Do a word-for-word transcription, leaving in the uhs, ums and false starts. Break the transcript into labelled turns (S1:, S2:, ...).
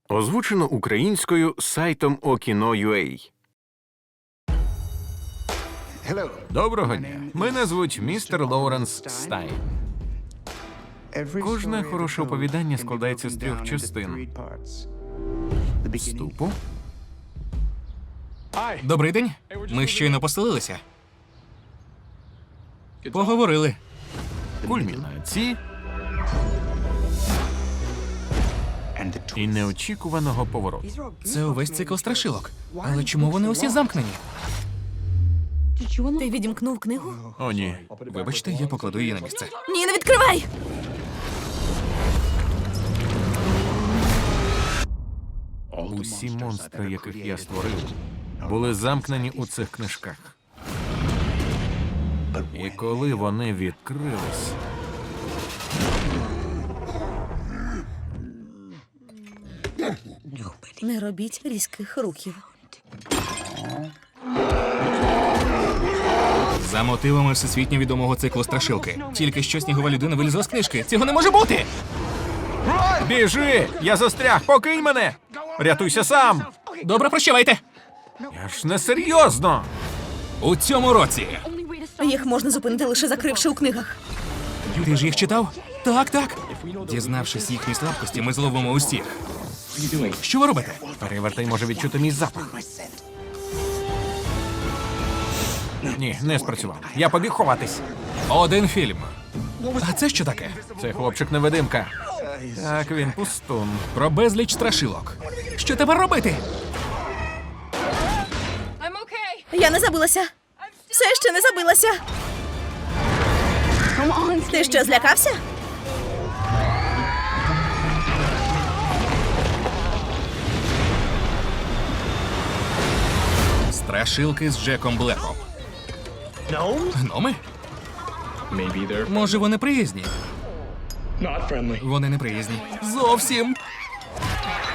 S1: Озвучено українською сайтом Okino.ua. Доброго дня. Мене звуть містер Лоуренс Стайн.
S2: Кожне хороше оповідання складається з трьох частин.
S1: Вступу,
S3: Добрий день. Ми щойно поселилися. Поговорили.
S1: кульмінації і неочікуваного повороту.
S3: Це увесь цикл страшилок. Але чому вони усі замкнені?
S4: Ти відімкнув книгу?
S1: О, ні.
S3: Вибачте, я покладу її на місце.
S4: Ні, не відкривай!
S1: Усі монстри, яких я створив, були замкнені у цих книжках. І коли вони відкрились,
S4: Не робіть різких рухів.
S3: За мотивами всесвітньо відомого циклу страшилки. Тільки що снігова людина вилізла з книжки. Цього не може бути!
S1: біжи! Я застряг! Покинь мене! Рятуйся сам!
S3: Добре, прощавайте!
S1: Я ж не серйозно!
S3: У цьому році.
S4: Їх можна зупинити лише закривши у книгах.
S3: Ти ж їх читав? Так, так. Дізнавшись їхні слабкості, ми зловимо усіх. Що ви робите?
S1: Перевертай може відчути мій запах. Ні, не спрацював. Я побіг ховатись.
S3: Один фільм. А це що таке?
S1: Це хлопчик-невидимка. Так, він пустун.
S3: Про безліч страшилок. Що тепер робити?
S4: Я не забилася. Все ще не забилася. Ти що, злякався?
S3: Страшилки з Джеком Блеком. Гноми? Може, вони приязні? Вони не приязні. Зовсім.